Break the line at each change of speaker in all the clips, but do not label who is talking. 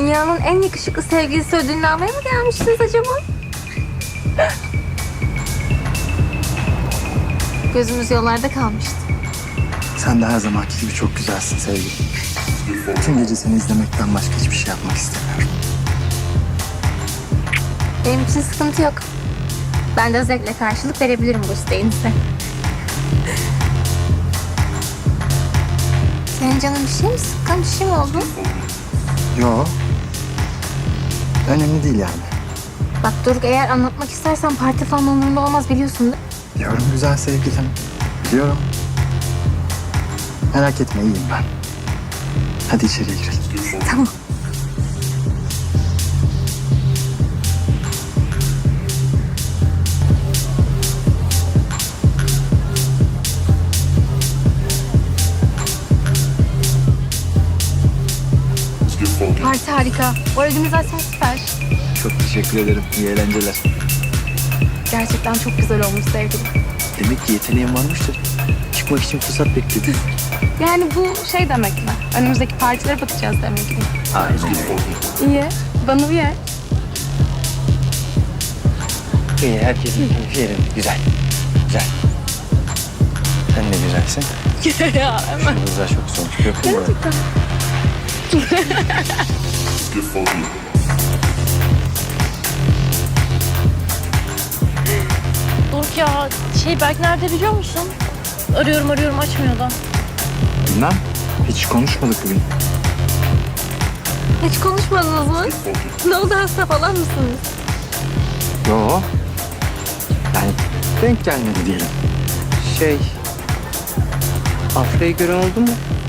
Dünyanın en yakışıklı sevgilisi ödülünü almaya mı gelmişsiniz acaba? Gözümüz yollarda kalmıştı.
Sen de her zamanki gibi çok güzelsin sevgilim. Bütün gece seni izlemekten başka hiçbir şey yapmak istemiyorum.
Benim için sıkıntı yok. Ben de zevkle karşılık verebilirim bu isteğinize. Senin canın bir şey mi sıkkın? Bir şey mi oldu?
Yo. Önemli değil yani.
Bak Doruk, eğer anlatmak istersen parti falan umurumda olmaz, biliyorsun değil mi?
Biliyorum güzel sevgilim. Biliyorum. Merak etme iyiyim ben. Hadi içeriye girelim.
Tamam. Parti harika. Bu organizasyon süper.
Çok teşekkür ederim. İyi eğlenceler.
Gerçekten çok güzel olmuş sevgilim.
Demek ki yeteneğim varmıştır. Çıkmak için fırsat bekliyordum.
Yani bu şey demek mi? Önümüzdeki partilere bakacağız demek ki.
Aynen öyle.
İyi. Bana uyar.
İyi, herkesin keyfi yerinde. Güzel. Güzel. Sen de güzelsin.
Ya hemen.
Şu güzel çok sonuç. Öptüm bana.
Gerçekten.
Doruk ya, Berk nerede biliyor musun? Arıyorum açmıyor da.
Bilmem. Hiç konuşmadık bugün.
Hiç konuşmadınız mı? Ne oldu, hasta falan mısınız?
Yo. Yani denk gelmedi diyelim.
Afra'yı gören oldu mu?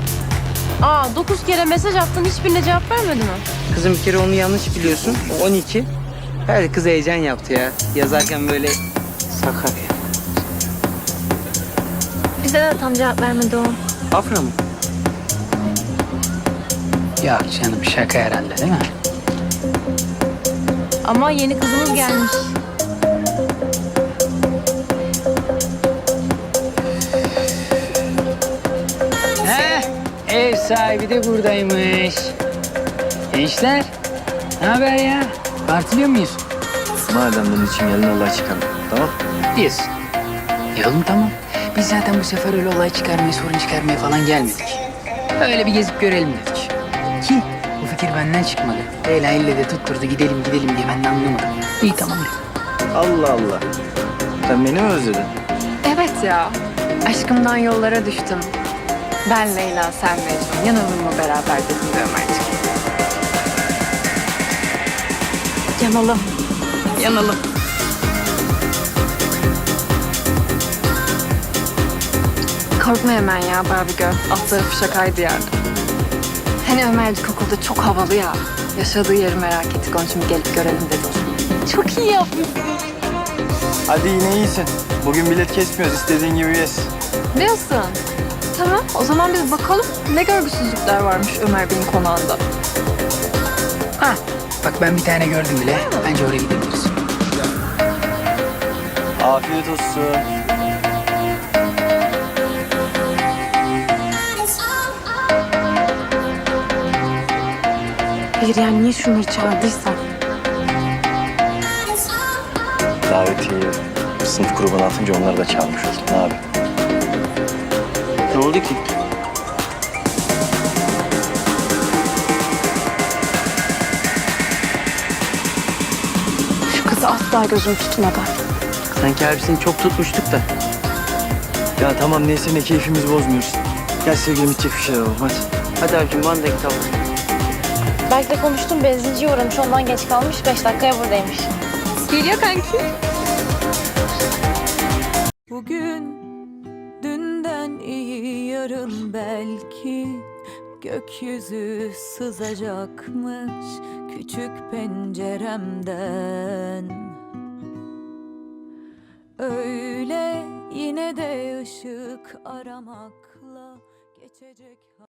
9 kere mesaj attın, hiçbirine cevap vermedi mi?
Kızım bir kere onu yanlış biliyorsun. O 12. Her kız heyecan yaptı ya. Yazarken böyle Sakarya.
Bize de tam cevap vermedi o.
Afra mı?
Ya canım şaka herhalde değil mi?
Ama yeni kızımız gelmiş.
He, ev sahibi de buradaymış. Gençler, ne haber ya? Partiliyor muyuz?
Madem bunun için geldin olay çıkarma. Tamam.
Diyorsun. Oğlum tamam. Biz zaten bu sefer öyle olay çıkarmaya, sorun çıkarmaya falan gelmedik. Öyle bir gezip görelim dedik. Ki bu fikir benden çıkmadı. Leyla elle de tutturdu gidelim diye ben de anlamadım. İyi tamam de.
Allah Allah. Sen beni mi özledin?
Evet ya. Aşkımdan yollara düştüm. Ben Leyla, sen Mecnun. Yanalım mı beraber dedim de Ömerciğim. Yanalım. Yanalım. Korkma hemen ya Barbie Girl. Attığı şakaydı yani. Hani Ömercik okulda çok havalı ya. Yaşadığı yeri merak ettik. Onun için bir gelip görelim dedik.
Çok iyi yapmışsın.
Hadi yine iyisin. Bugün bilet kesmiyoruz. İstediğin gibi yes.
Diyorsun. Tamam, o zaman biz bakalım ne görgüsüzlükler varmış Ömer Bey'in konağında.
Ha, bak ben bir tane gördüm bile. Bence oraya gidebiliriz.
Afiyet olsun.
Hayır yani niye şunları çağırdıysam?
Davetiyeyi sınıf grubuna atınca onları da çağırmış olduk. Ne abi?
Ne oldu ki?
Şu kızı asla gözüm tutmadı.
Sanki abisini çok tutmuştuk da.
Ya tamam neyse ne keyfimizi bozmuyoruz. Gel sevgilim içecek bir şeyler alalım hadi.
Hadi abicim bana da git al.
Berk'le konuştum, benzinciye uğramış, ondan geç kalmış. 5 dakikaya buradaymış.
Geliyor kanki.
Bugün dünden iyi yarın belki gökyüzü sızacakmış küçük penceremden. Öyle yine de ışık aramakla geçecek.